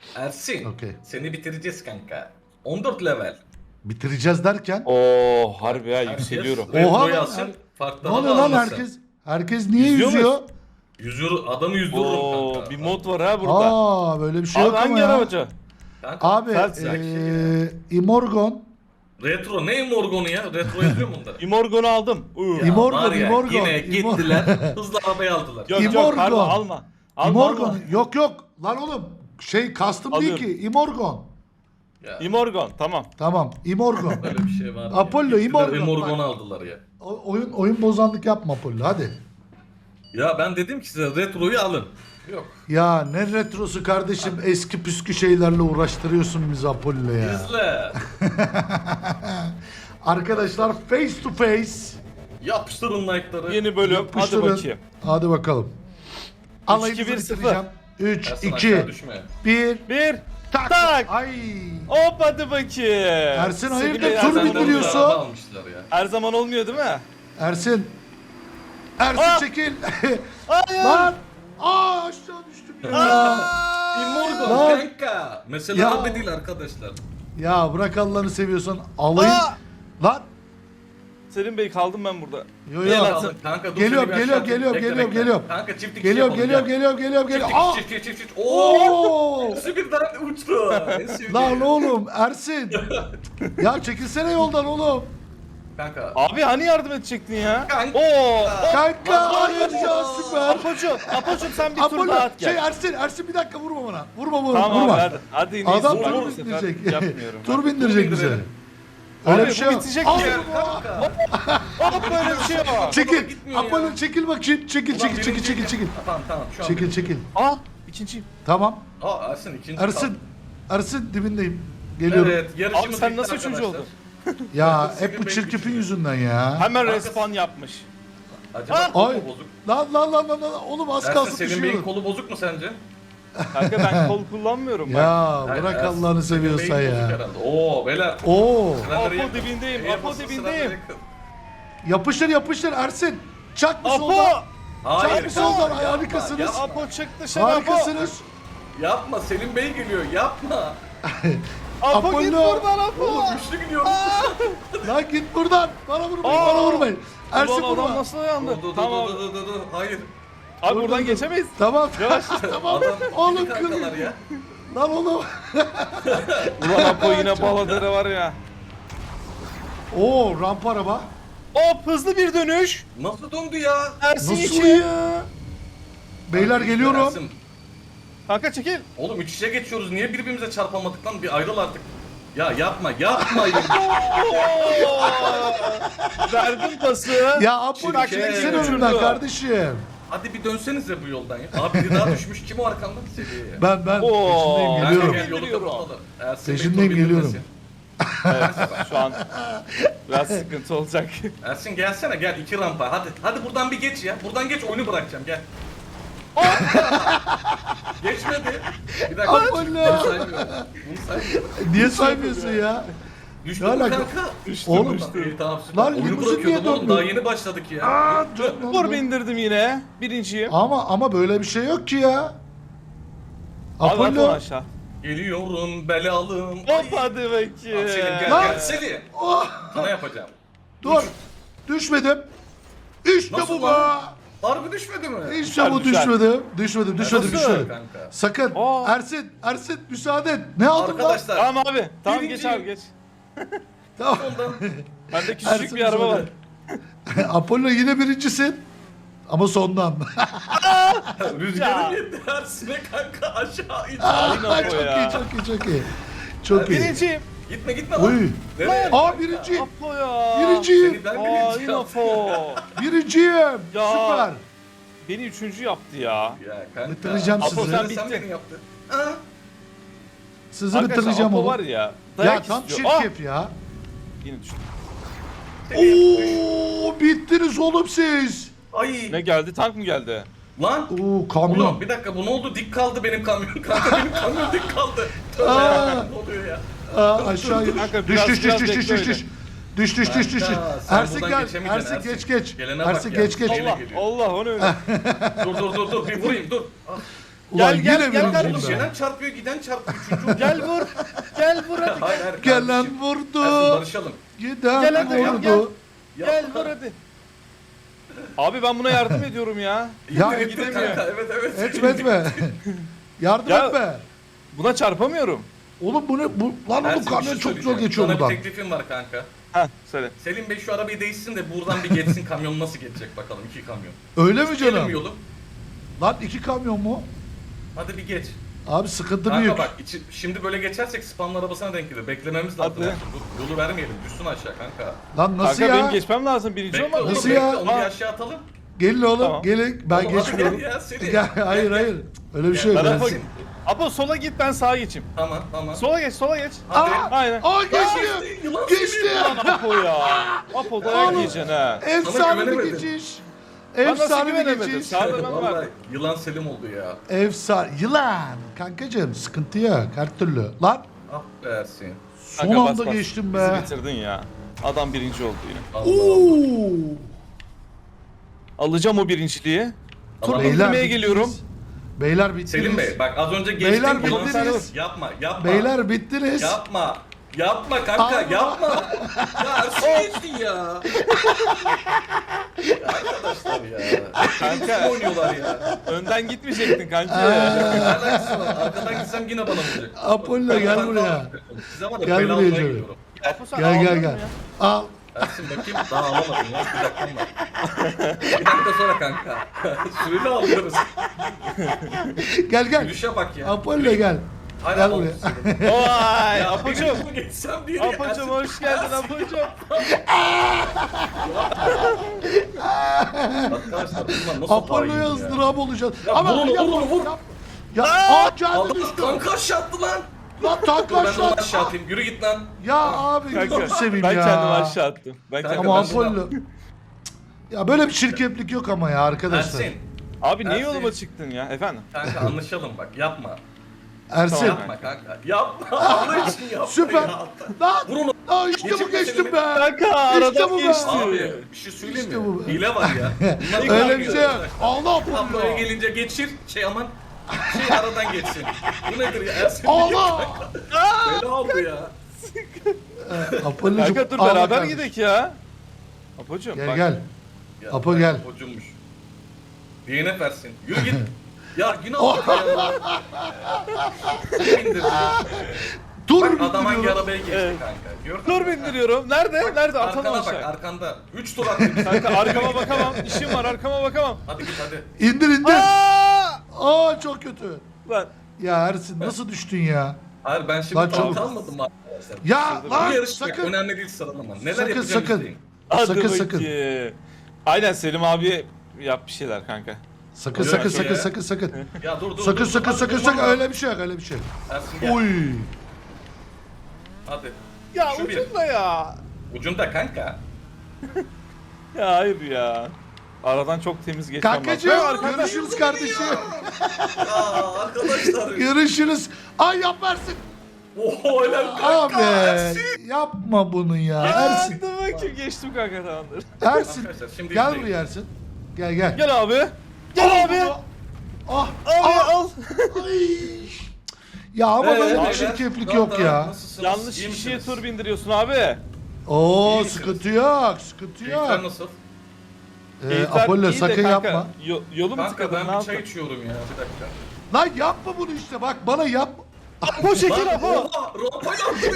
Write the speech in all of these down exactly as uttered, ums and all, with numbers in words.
Ersin, Okey. seni bitireceğiz kanka. on dört level. Bitireceğiz derken. Oo harbi ya Herkes yükseliyorum. Oha retroyu lan, alsın, her- farklı Ne hava oluyor lan almasın. herkes? Herkes niye Yüzüyor yüzüyor? Yüzüyor, adamı yüzdürürüm Oo kanka. bir mod var ha burada. Aa böyle bir şey Abi yok ama hangi ya. arabacı? Kanka, Abi Ters eee Imorgon. retro ne Morgon'u ya? Retro yazıyor mu bunda? Imorgon'u aldım. Uuu. Ya İmorgon, var ya, İmorgon, Yine İmor- gittiler, hızlı arabayı aldılar. Yok Imorgon. yok pardon alma. Alma Imorgon. alma. Yok yok. Lan oğlum şey custom değil Alıyorum. ki. Imorgon. Ya, Imorgon tamam. Tamam. Imorgon. böyle bir şey var. Apollo, Gittiler, Imorgon. Imorgon'u Bak. aldılar ya. O- oyun oyun bozanlık yapma Apollo hadi. Ya ben dedim ki size retroyu alın. Yok. Ya ne retrosu kardeşim, eski püskü şeylerle uğraştırıyorsun bizi Apollo ya. İzle. Arkadaşlar face to face. Yapıştırın like'ları. Yeni bölüm Yapıştırın. hadi bakayım. Hadi bakalım. Alayınızı iki, bir, sıfır. bitireceğim. üç, Ersin iki, aşağı düşme. bir, Bir. tak. Tak. Ay. Hop hadi bakayım. Ersin, hayırdır, Sevgili tur Ersin, bindiriyor. bindiriyorsun. Araba almışlar ya. Her zaman olmuyor değil mi? Ersin. Ersin Aa! çekil. Hayır. Lan. Aa aşağı düştüm ya. Immorgon Lan. kanka. Mesela Ya. araba değil arkadaşlar. Ya bırak Allah'ını seviyorsan alayım. Aa! Lan. Selim Bey kaldım ben burada. Yo Gel yo. Ersin, kanka, dur Geliyorum, seni bir geliyorum, aşağı geliyorum, bekle, geliyorum, bekle. geliyorum. Kanka çift dikiş Geliyorum, yapalım, geliyorum, gel. geliyorum, geliyorum, geliyorum. Aa! Çift dikiş, çift dikiş, çift dikiş. Oo! Oo! Hepsi birden uçtu. En sevdiğim. Lan oğlum Ersin. Ya çekilsene yoldan oğlum. Kanka. Abi hani yardım edecektin ya? Kanka. Oo. Kanka hayır ya süper. Apocuğum, Apocuğum sen bir tur Apollo daha at şey gel. Ersin, Ersin bir dakika vurma bana. Vurma bana, Tamam vurma. abi hadi. Hadi yine Adam izin var tur bu sefer. bindirecek. Yapmıyorum. Tur bindirecek bize. bindirelim. Öyle Abi bir şey bu yok. bitecek Al ki. bunu. Kanka. Hop böyle bir şey var. Çekil. gitmiyor ya. Apollo çekil bakayım. Çekil, Ulan çekil, çekil, birinci- çekil, çekil. Ha, Tamam tamam şu an. Çekil, çekil. Aa ikinciyim. Tamam. Aa Ersin ikinci. Ersin. Ersin dibindeyim. Geliyorum. Evet yarışımız Abi sen bitti nasıl üçüncü arkadaşlar. oldun? Ya Senin hep bu benim çirkefin üçüncü. yüzünden ya. Hemen Kanka- respawn yapmış. Acaba Aa! kolu Ay. mu bozuk? Lan lan lan lan lan. Oğlum az Ersin kalsın senin beyin düşüyordum. kolu bozuk mu sence? Kanka ben kol kullanmıyorum bak. Ya Hayır, bırak Ersin, Allah'ını senin beyin seviyorsan bozuk ya. herhalde. Oo beyler. Oo. Sıraları Apo yakın. dibindeyim, Eğer Apo basın dibindeyim. sıraları yakın. Yapıştır yapıştır Ersin. Çak bir Apo! soldan. Hayır. Çak bir soldan. yapma, Ay, harikasınız. yapma, Ya Yapma. Apo çık dışarı Apo. Harikasınız. Yapma Selim Bey geliyor yapma. Apo git Apollo. buradan Apo. Oğlum güçlü gidiyoruz. Lan git buradan. Bana vurmayın. Aa! Bana vurmayın. Ersin Ulan adam vurma. nasıl dayandı? Dur dur dur Tamam. dur dur dur dur. Hayır. Abi Dur, buradan dur, dur. geçemeyiz. Tamam. Yavaş. Tamam. Adam Oğlum iki kankalar kır. ya. Lan oğlum. Ulan Apo yine baladere var ya. Oo rampa araba. Hop hızlı bir dönüş. Nasıl döndü ya? Ersin Nasıl için. ya? Beyler geliyorum. Ersin, Kanka çekil. oğlum üç içe geçiyoruz. Niye birbirimize çarpamadık lan? Bir ayrıl artık. Ya yapma yapmayın. Verdim pası. Ya Apollo Çirkin. çekilsene Uçurdu. önümden kardeşim. Hadi bir dönsenize bu yoldan ya. Abi biri daha düşmüş. Kim o arkamda? Seviyeye. Ben ben Oo. peşindeyim Kanka geliyorum. gel yolu Geliyorum. kapatalım. Ersin Bey Peşindeyim, tur geliyorum. bindirmesin. Evet, şu an biraz sıkıntı olacak. Ersin gelsene gel iki rampa. Hadi hadi buradan bir geç ya. Buradan geç oyunu bırakacağım gel. Geçmedi. Bir dakika. Apollo. Bunu saymıyorum. Bunu saymıyorum. Niye saymıyorsun ya? Düştü Ne mü alaka? kanka? Düştü Oğlum. İyi, tamam süper. Lan Oyunu limuzin niye bırakıyordum oğlum. dönmüyor? Daha yeni başladık ya. Aa, dur, dur, Vur dur. bindirdim yine. Birinciyim. Ama ama böyle bir şey yok ki ya. Abi Apo Apollo. aşağı. Geliyorum belalım. Hop hadi bakayım. Al Selim gel Lan. gel. Selim. Oh, Sana yapacağım. dur. Düşmedim. İşte Nasıl bu be. lan? Harbi düşmedi mi? İşte bu Düşer, düşer. düşmedim. Düşmedim, düşmedim, Nasıl düşmedim. kanka? Sakın. Aa. Ersin, Ersin müsaade et. Ne aldın lan? Arkadaşlar. Tamam abi. Tamam Birinci. geç abi geç. Tamam. Ondan Bende küçücük Ersin bir araba var. müsaade. Apollo yine birincisin. Ama sondan. rüzgarın yetti Ersin'e kanka aşağı in. Aynen o çok ya. iyi, çok iyi, çok iyi. Çok iyi. Birinciyim. Gitme gitme lan. Oy. Nereye? Aa birinci. Apo ya. Birinciyim. Seni ben Aa birinci yine yaptım. Apo. Birinciyim. Ya. Süper. Beni üçüncü yaptı ya. Ya kanka. Bitireceğim Apo, sizi. sen, Sen sen bittin. beni yaptın. Ha? Sizi Arkadaşlar bitireceğim Apo oğlum. var ya. Ya Dayak tam istiyor. Ah! çirkef ya. Yine düştü. Oo bittiniz oğlum siz. Ay. Ne geldi? Tank mı geldi? Lan. Oo kamyon. Oğlum bir dakika bu ne oldu? Dik kaldı benim kamyon. Kanka benim kamyon dik kaldı. Tövbe Aa. ya. Ne oluyor ya? Aa, aşağı düş Kanka, düş biraz- düş düş biraz düş düş bekle düş düş. Düş düş düş düş. Kanka, sen Ersin buradan gel. geçemeyeceksin, Ersin Ersin. geç geç. Gelene bak Ersin ya. geç geç. Yine Allah geliyor. Allah onu öyle. Dur dur dur dur bir vurayım dur. Ah. Ulan Gel, gel, yine gel Oğlum birinciyim ben. gelen çarpıyor giden çarpıyor. Üçüncü Gel vur. Gel vur hadi. Hayır hayır. Gelen kardeşim. Ersin, vurdu. barışalım. Giden Gel hadi, gel, vurdu. Gel vur hadi. Abi ben buna yardım ediyorum ya. Ya İttir, etme ittir kanka, evet evet. etme etme. Yardım Ya- etme. Buna çarpamıyorum. Oğlum bu ne? Bu, lan oğlum Ersin, bir kamyon şey çok zor söyleyeceğim. geçiyor Sana buradan. bir teklifim var kanka. Heh söyle. Selim Bey şu arabayı değişsin de buradan bir geçsin, kamyon nasıl geçecek bakalım, iki kamyon. Öyle mi Gelin canım? yolu. Lan iki kamyon mu? Hadi bir geç. Abi sıkıntı Kanka büyük. bak içi, şimdi böyle geçersek spamlı arabasına denk gelir. Beklememiz lazım. Hadi. Ersin. Dur, yolu vermeyelim. Düşsün aşağı kanka. Lan nasıl Kanka ya? benim geçmem lazım. Birinci Bekle olmam oğlum, Nasıl bekle. ya? Onu bir Aa. aşağı atalım. Gelin oğlum Tamam. gelin. Ben Oğlum hadi geçmiyorum. gel ya, Selim. Gel, hayır Gel, hayır. gel. Öyle bir şey yok. Gel, Apo, Ersin. Ersin. Apo sola git ben sağa geçeyim. Tamam tamam. Sola geç sola geç. Hadi. Aa! Aynen. Aa geçti. geçti, yılan Geçti. Lan Apo ya. Apo dayak Oğlum. yiyeceksin ha. Efsane bir güvenemedim. geçiş. Ben nasıl Efsane bir güvenemedim? geçiş. Sağda ben Vallahi vardım. yılan Selim oldu ya. Efsane. Yılan. Kankacığım sıkıntı yok. Her türlü. Lan Ah be Ersin. son Kanka, bas, anda bas. geçtim Bizi be. bitirdin ya. Adam birinci oldu yine. Allah Allah. Oo. Alacağım o birinciliği. Tur Tamam. Beyler bindirmeye bittiniz. geliyorum. Beyler bittiniz. Selim Bey bak az önce geçtin. Beyler yılan bittiniz. Selim. Yapma yapma. Beyler bittiniz. Yapma. Yapma kanka Allah. yapma. Ya Ersin geçti ya. Ya arkadaşlar ya. Kanka. Kim oynuyorlar ya? Önden gitmeyecektin kanka. Ne alakası var? Arkadan gitsem yine bana vuracak. Apollo, Ben gel arkadan buraya. kalmam. Size var ya Gel bela buraya almaya canım. gidiyorum. Apo sen Gel aldın gel mı gel. ya? Al. Ersin bakayım daha alamadım ya. Bir dakikam var. Bir dakika sonra kanka. Süreli alıyoruz. Gel gel. Gülüşe bak ya. Apollo gel. Hayır, Gel al- buraya. Vay Ya Apocuğum. Apocuğum. Geçsem diye. Apocuğum hoş geldin Apocuğum. Arkadaşlar bunlar nasıl Apollo'ya hain ya? ızdırap olacağız. Ya Ama vur onu, yapma, vur onu, vur. yap- Ya aa geldi Aldım düştü. kanka aşağı attı lan. Lan tank Dur ben de onu aşağı. aşağı atayım. Yürü git lan. Ya abi Kanka gözünü seveyim ben ya. kendimi aşağı attım. Ben Kanka, kendimi Ama ben bunu- Apollo. Ya böyle bir çirkeflik yok ama ya arkadaşlar. Ersin. Abi niye Ersin. yoluma çıktın ya efendim? Kanka anlaşalım bak yapma. Ersin. Tamam. Yapma kanka. Yapma. Allah için yapma. Süper. Ya. Lan. Vur onu. Aa işte bu Geçirme geçtim seni. be. Kanka aradan bu be. geçti. Abi bir şey söyleyeyim İşte bu mi? be. Hile var ya. Bunlar Öyle bir şey yok. arkadaşlar. Allah Tabloya Apollo. gelince geçir. Şey aman. Şey aradan geçsin. Bu nedir ya? Ersin Allah. Bela oldu ya. Apollo'cum. Kanka dur al beraber bakalım. gidelim ya. Apocuğum Gel bak. gel. Ya, Apo gel. Hocummuş. D N F versin. Yürü git. Ya günah Oh. oldu ya. Kim indirdi? Dur Bak adam hangi bindiriyorum. arabaya geçti Evet. kanka. Gördün Dur mü? bindiriyorum. Nerede? Nerede? Atalım Arkana bak aşağı. arkanda. üç tur attı. Kanka arkama bakamam. İşim var arkama bakamam. Hadi git hadi. İndir indir. Aa! Aa çok kötü. Lan. Ya Ersin nasıl düştün ya? Hayır ben şimdi Lan tam çabuk. kalmadım mı arkadaşlar? Ya Bu lan yarış bak, sakın. önemli değil sıralama. Neler Sakın, yapacağım sakın. izleyin. Hadi Sakın, sakın. bakayım. Aynen Selim abi yap bir şeyler kanka. Sakın Oluyor sakın şey sakın ya. sakın sakın. Ya dur dur Sakın dur, sakın hadi sakın durma. sakın öyle bir şey yok öyle bir şey yok. Ersin gel. Oy. Hadi. Ya Şu bir. ucunda ya. Ucunda kanka. Ya hayır ya. Aradan çok temiz geçmem lazım. Kankacığım Ya arkanda- görüşürüz kardeşim. Aa arkadaşlar. Görüşürüz. Ay yap Ersin. Oho helal kanka. Abi Ersin. yapma bunu ya Aa, Ersin. Hadi bakayım geçtim kanka tamamdır. Ersin Arkadaşlar, şimdi gel izleyin. buraya Ersin. Gel gel. Gel abi. Gel abi. Ah. Abi ah. al. Ay. Ya ama Ee, böyle bir beyler, çirkeflik daha yok da ya. nasılsınız? Yanlış İyi kişiye misiniz? tur bindiriyorsun abi. Oo İyi misiniz? sıkıntı yok sıkıntı Keyifler yok. nasıl? Ee, Keyifler Apollo iyi de sakın kanka, yapma. yo- yolu mu Kanka tıkadın ben ne bir yaptın? çay içiyorum ya bir dakika. Lan yapma bunu işte bak bana yapma. Apo çekil Lan Apo. oha rampayla attı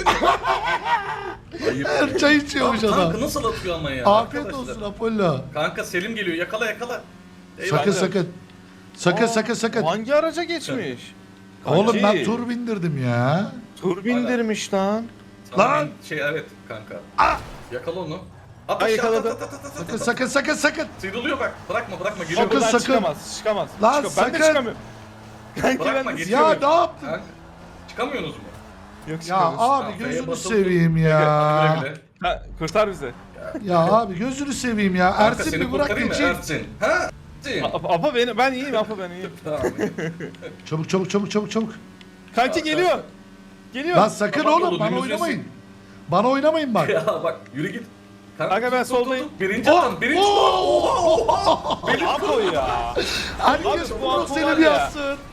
beni. Ayıp. Her çay içiyormuş Lan adam. Kanka nasıl atıyor ama ya? Afiyet arkadaşlar? olsun Apollo. Kanka Selim geliyor yakala yakala. Eyvallah. Sakın sakın. Sakın Aa, sakın sakın. Hangi araca geçmiş? Oğlum ben Kanki, tur bindirdim ya. Tur bindirmiş lan. Sana Lan! ben- Şey evet kanka. Ah! Yakala onu. At Ay, aşağı, yakaladı. at, at, at, at, at, Sakın at. sakın sakın sakın. Sıyrılıyor bak. Bırakma bırakma geliyor. Sakın, Buradan sakın. çıkamaz, çıkamaz. Lan, Çıkam- Ben de sakın. çıkamıyorum. Kanki Bırakma ben de geçiyor. Ya ne yaptın? Kanka, çıkamıyorsunuz mu? Yok Ya çıkamıyoruz. abi Tamam, gözünü F'ye basılı seveyim tut. ya. Hadi güle güle. Ha, kurtar bizi. Ya abi gözünü seveyim ya. Kanka Ersin seni bir bırak kurtarayım mı geçeyim. Ersin? Ha? Ersin. Apo, Apo beni, ben iyiyim Apo ben iyiyim. Tamam. Çabuk çabuk çabuk çabuk çabuk. Kanki geliyor. Geliyor. Lan sakın Kapat oğlum yolu, bana dümdüz oynamayın. yesin. Bana oynamayın bak. Ya bak yürü git. Kanka ben tut, tut, soldayım. tut. Birinci Oh, adam, birinci oh, adam. Oha oha. Apo ya. Herkes Abi bu bunu Apo var seni bir ya. yazsın.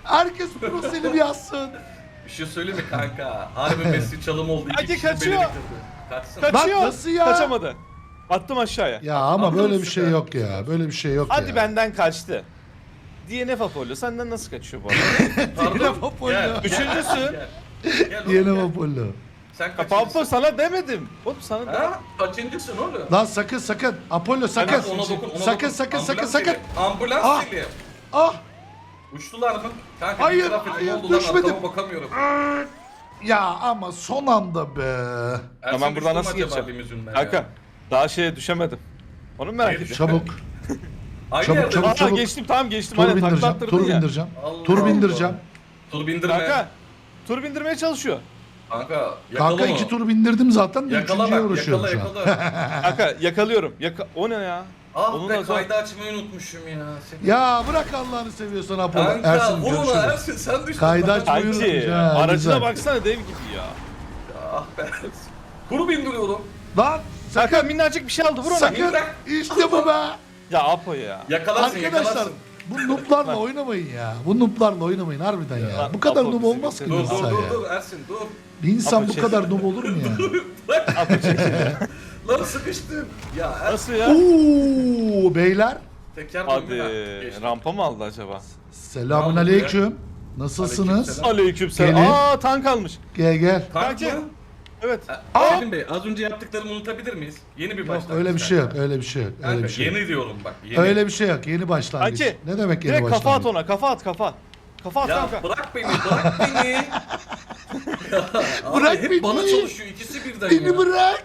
Herkes pro Selim yazsın. Bir şey söyleyeyim mi kanka? Harbi Messi çalım oldu. İki Hadi kişinin kaçıyor. beni bitirdi. Kaçsın. Kaçıyor. nasıl ya? Kaçamadı. Attım aşağıya. Ya ama Anladın böyle mı bir şey sen? yok ya. Böyle bir şey yok Hadi ya. benden kaçtı. D N F Apollo senden nasıl kaçıyor bu arada? Pardon. Yine Apollo. Gel. Üçüncüsü. Gel. Gel oğlum, Yine gel. Apollo. Sen Apollo kaçıncısın? sana demedim. Oğlum sana demedim. Ha? Kaçıncısın oğlum? Lan sakın sakın. Apollo sakın. Kanka, ona dokun, ona sakın dokun. sakın sakın Ambulans sakın. geliyor. Ambulans Ah. geliyor. Ah. Uçtular mı? Kanka Hayır, bir taraf edin, hayır, ne oldu lan? düşmedim. Arkama bakamıyorum. Ya ama son anda be. Ersin Tamam, buradan düştü mü nasıl acaba geçeceğim? limüzinden Kanka ya? daha şeye düşemedim. Onu merak Hayır, ediyorum. Çabuk. Aynı Çabuk, yerde çabuk, mi? Aa çabuk. geçtim tamam geçtim. Tur Aynen takla bindireceğim. attırdın Tur ya. bindireceğim. Allah Tur Allah. bindireceğim. Tur bindirme. Kanka tur bindirmeye çalışıyor. Kanka yakala Kanka onu. iki tur bindirdim zaten de Yakala üçüncüye bak, uğraşıyorum yakala şu an. yakala. Kanka yakalıyorum. Yaka o ne ya? Ah Onun be da zor. kaydı açmayı unutmuşum ya. Seni. Ya bırak Allah'ını seviyorsan Apollo. Kanka Ersin vur ona görüşürüz. Ersin sen düştün. Kaydı Lan. aç- Buyurun Kanki ya, aracına güzel. baksana dev gibi ya. Ah be Ersin. Kuru bindiriyorum. Lan Kanka sakın. minnacık bir şey aldı vur ona. Sakın. Bırak. İşte bu be. Ya Apo ya. Yakalarsın Arkadaşlar yakalarsın. bu nooblarla oynamayın ya. Bu nooblarla oynamayın harbiden ya. Lan, Bu kadar Apollo noob bizi olmaz ki bir Dur insan dur dur ya. dur Ersin dur. Bir insan Apollo bu kadar noob olur mu ya? Apo çekil. Lan sıkıştım. Ya Ersin. Nasıl ya? Oo beyler. Teker Hadi döndü ha. Geçti. rampa mı aldı acaba? Selamun aleyküm. Nasılsınız? Aleykümselam. Aleykümselam. Gelin. Aa tank almış. Gel gel. Tank Kanki. mı? Evet. Aa! Selim Bey az önce yaptıklarımı unutabilir miyiz? Yeni bir Yok başlangıç. öyle bir şey yok. kanka. Öyle bir şey yok. Öyle Kanka bir şey yok. yeni diyorum bak. Yeni. Öyle bir şey yok. Yeni başlangıç. Kanki, Ne demek yeni Direkt kafa at başlangıç? ona. Kafa at kafa. Kafa at Ya kanka. bırak beni bırak beni. Ya, abi Bırak hep beni. bana çalışıyor ikisi birden Beni ya. bırak.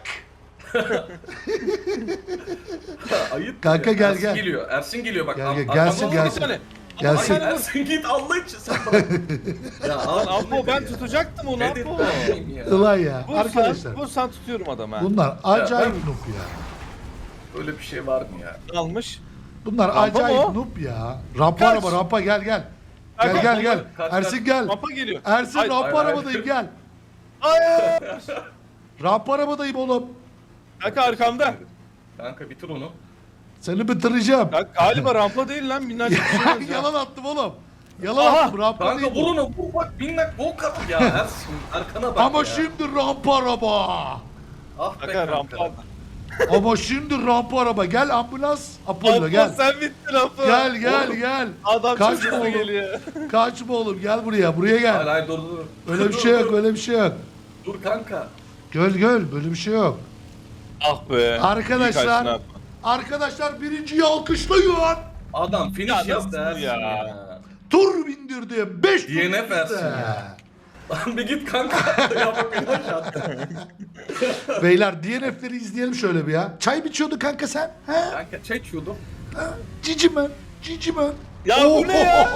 Ayıp. Kanka ya. gel, Ersin gel. geliyor. Ersin geliyor bak. Gel, Am- gel, am- gelsin, ama- gelsin. Bir tane. Gelsin. Hayır Ersin git Allah için sen bırak. ya abi, Lan Apo bu ben nedir ya? tutacaktım onu Nedir Apo. ben miyim ya? Ulan ya. Vursan, Arkadaşlar. vursan tutuyorum adamı ha. Bunlar acayip ben- noob ya. Öyle bir şey var mı ya? Almış. Bunlar Rampa mı acayip o? noob ya. Rampa Kaç. araba rampa gel gel. Gel Kanka, gel gel. kaç, kaç. Ersin gel. Rampa geliyor. Ersin Ay- rampa ay- ay. arabadayım gel. Hayır. Rampa arabadayım oğlum. Kanka arkamda. Kanka bitir onu. Seni bitireceğim. Kanka galiba rampa değil lan minnacık bir şey olacak. Yalan attım oğlum. Yalan Aha. attım rampa Kanka değil vur bu. onu vur bak minnak bol kat ya Ersin arkana bak Ama ya. şimdi rampa araba. Ah be Kanka kanka. rampa. Ama şimdi rampa araba. Gel ambulans. Apollo Apo gel. sen bittin Apo. Gel gel Oğlum. gel. Adam Kaçma çok hızlı oğlum. geliyor. Kaçma oğlum gel buraya. Buraya Hayır gel. hayır dur dur. Öyle bir Dur, şey dur, yok. dur. Öyle bir şey yok. Dur kanka. Göl göl. Böyle bir şey yok. Ah be. Arkadaşlar. İyi kaçtın Apo. Arkadaşlar birinciyi alkışlayın. Adam Ya finish yaptı nasıl Ersin ya? ya. Tur bindirdim. beş tur D N F bindirdi. versin ya. Lan bir git kanka. ya bak finish attı. Beyler D N F'leri izleyelim şöyle bir ya. Çay mı içiyordun kanka sen? He? Kanka çay içiyordum. Ha? Cici mi? Cici mi? Ya bu ne ya?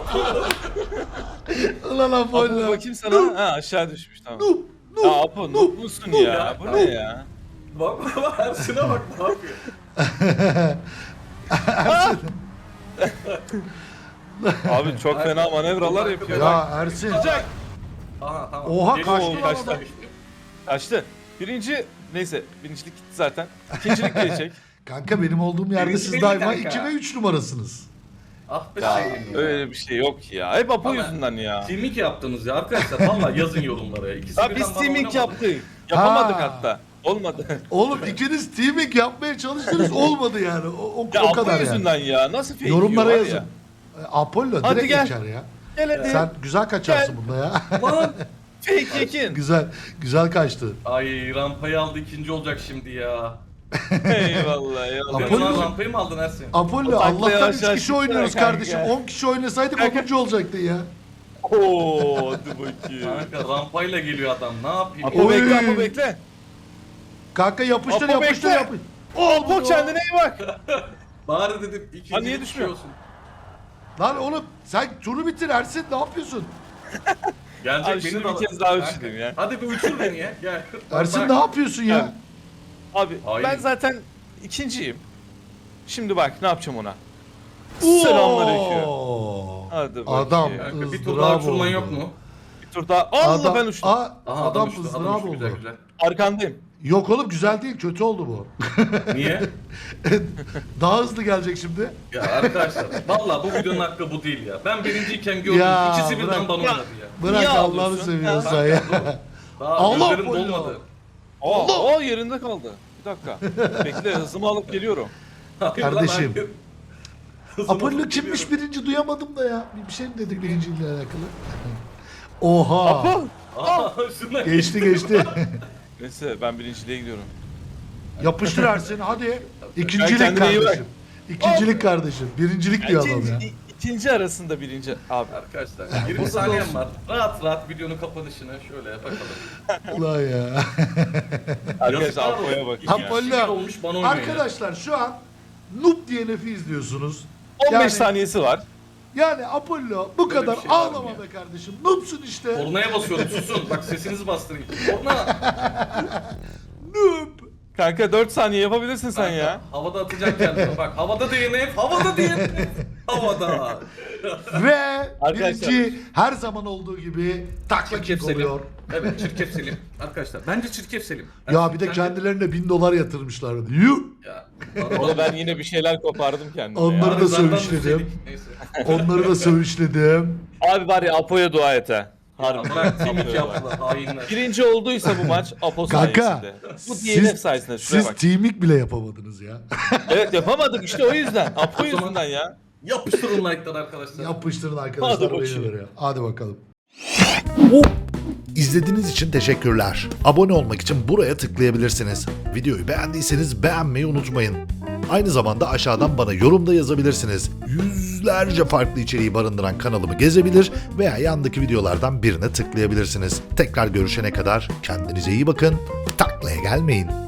Ulan Apo Apollo. bakayım sana. Ha aşağı düşmüş tamam. Noob. Noob. Ya Apo noob musun ya? ya. Bu ne ya? Bak bak Ersin'e bak ne yapıyor. Abi çok fena manevralar yapıyor. Ya Ersin. Sıcak. Aha tamam. Oha, Geliyor, kaçtı geliyor, lan kaçtı. adam. Kaçtı. Birinci neyse birincilik gitti zaten. İkincilik gelecek. Kanka benim olduğum yerde Birinci siz belli daima kanka. iki ve üç numarasınız. Ah be Ya şeyim ya. öyle bir şey yok ya. Hep Apo Ama- yüzünden ya. Teaming yaptınız ya arkadaşlar. Valla yazın yorumlara. İkisi Ya birden biz bana teaming oynamadı. yaptık. Yapamadık Ha. hatta. Olmadı. Oğlum ikiniz teaming yapmaya çalıştınız olmadı yani. O, o, Ya o Apo kadar yani. yüzünden ya. Nasıl fake Yorumlara yiyor var yazın. ya. E, Apollo Hadi direkt gel. geçer ya. Gel hadi. Sen güzel kaçarsın bunda ya. Lan. Fake yekin. güzel güzel kaçtı. Ay rampayı aldı ikinci olacak şimdi ya. Eyvallah eyvallah. Apollo- Sen lan rampayı mı aldın Ersin? Apollo O takla Allah'tan yavaş üç yavaş kişi oynuyoruz gitsene kanka. kardeşim. on kişi oynasaydık Kanka. onuncu olacaktın ya. Oo hadi bakayım. Kanka rampayla geliyor adam ne yapayım? Apo Oy. bekle Apo bekle. Kanka yapıştır Apo yapıştır bekle. yapıştır. Apo kendine iyi bak. Bari dedim ikinci Ha, niye bir düşmüyor? şey olsun. Lan oğlum sen turu bitir Ersin ne yapıyorsun? Gelecek Abi beni şunu de bir al- kez daha Kanka, uçurayım ya. Hadi bir uçur beni ya. Gel. Ersin Bak, ne yapıyorsun ya? Abi Hayır. ben zaten ikinciyim. Şimdi bak ne yapacağım ona. Oo! Selamünaleyküm. Hadi bakayım. Adam Kanka, bir tur ızdırap daha uçurman oldu. yok mu? Bir tur daha. Allah Adam, ben uçtum. Aa, Aha adam uçtu, ızdırap adam uçtu, oldu. güzel güzel. Arkandayım. Yok oğlum güzel değil, kötü oldu bu. Niye? Daha hızlı gelecek şimdi. Ya arkadaşlar vallahi bu videonun hakkı bu değil ya. Ben birinciyken gördüm. Ya, İkisi birden bırak. bana oynadı ya. Bırak Niye Allah'ını ağlıyorsun? seviyorsan ya. Daha Allah gözlerim Allah. dolmadı. Aa, aa yerinde kaldı. Bir dakika. Bekle hızımı alıp geliyorum. Hayır lan, Kardeşim. hayır. Hızımı Apollo alıp kimmiş geliyorum. birinci duyamadım da ya. Bir şey mi dedik birinciyle alakalı? Oha. Apo. Aa, şuna Geçti geçti. Neyse ben birinciliğe gidiyorum. Yapıştır Ersin hadi. Sen İkincilik kendine iyi bak. kardeşim. İkincilik kardeşim. Birincilik diyor adam ya. İkinci, ikinci arasında birinci abi. Arkadaşlar yirmi saniyem var. Rahat rahat videonun kapanışını şöyle bakalım. Ulan ya. Arkadaşlar Yazıklar Apo'ya olsun. bakın ya. Apollo. kişi Apollo. olmuş, bana oynuyor ya. Arkadaşlar şu an Noob D N F'i izliyorsunuz. on beş Yani- saniyesi var. Yani Apollo bu Böyle kadar bir şey var mı ağlama ya? be kardeşim. Noob'sun işte. Kornaya basıyorum susun. Bak sesinizi bastırın. Korna. Noob. Kanka dört saniye yapabilirsin sen Kanka, ya. Havada atacağım kendimi. Bak havada D N F. Havada D N F. Havada. Ve Arkadaşlar. birinci her zaman olduğu gibi takla Çirkef kick Selim. oluyor. Evet çirkef Selim. Arkadaşlar bence çirkef Selim. Ya bir de Bence- kendilerine bin dolar yatırmışlar. Yuh! Ya. Orada ben yine bir şeyler kopardım kendime Onları ya. da Zaten sövüşledim. düzeydik. Neyse. Onları da söğüşledim. Abi var ya Apo'ya dua et ha. Harbi. Bırak timik Apo'ya dua et. yaptılar hainler. Birinci olduysa bu maç Apo Kanka, sayesinde. Bu D N F siz, sayesinde şuraya siz bak. teaming bile yapamadınız ya. Evet yapamadık işte o yüzden. Apo O zaman- yüzünden ya. Yapıştırın like'lar arkadaşlar. Yapıştırın arkadaşlar Hadi beğenilir bakayım. ya. Hadi bakalım. İzlediğiniz için teşekkürler. Abone olmak için buraya tıklayabilirsiniz. Videoyu beğendiyseniz beğenmeyi unutmayın. Aynı zamanda aşağıdan bana yorumda yazabilirsiniz. Yüzlerce farklı içeriği barındıran kanalımı gezebilir veya yandaki videolardan birine tıklayabilirsiniz. Tekrar görüşene kadar kendinize iyi bakın. Taklaya gelmeyin.